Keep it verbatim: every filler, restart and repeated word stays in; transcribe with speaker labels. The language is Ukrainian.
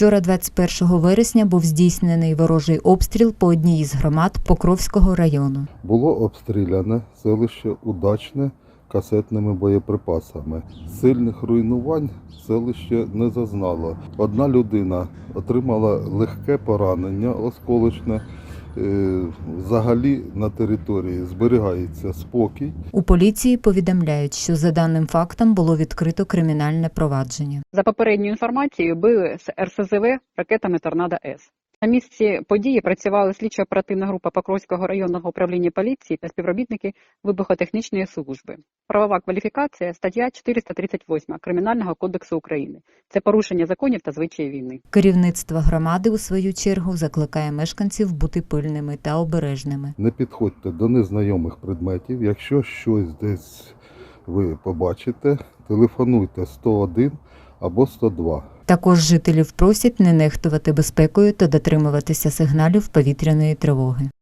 Speaker 1: Вчора, двадцять першого вересня, був здійснений ворожий обстріл по одній із громад Покровського району.
Speaker 2: Було обстріляне селище Удачне касетними боєприпасами. Сильних руйнувань селище не зазнало. Одна людина отримала легке поранення осколочне. Взагалі на території зберігається спокій.
Speaker 1: У поліції повідомляють, що за даним фактом було відкрито кримінальне провадження.
Speaker 3: За попередньою інформацією, били з ер ес зет ве ракетами «Торнадо-С». На місці події працювали слідчо-оперативна група Покровського районного управління поліції та співробітники вибухотехнічної служби. Правова кваліфікація – стаття чотириста тридцять восьма Кримінального кодексу України. Це порушення законів та звичаїв війни.
Speaker 1: Керівництво громади, у свою чергу, закликає мешканців бути пильними та обережними.
Speaker 2: Не підходьте до незнайомих предметів. Якщо щось десь ви побачите, телефонуйте сто один або сто два.
Speaker 1: Також жителів просять не нехтувати безпекою та дотримуватися сигналів повітряної тривоги.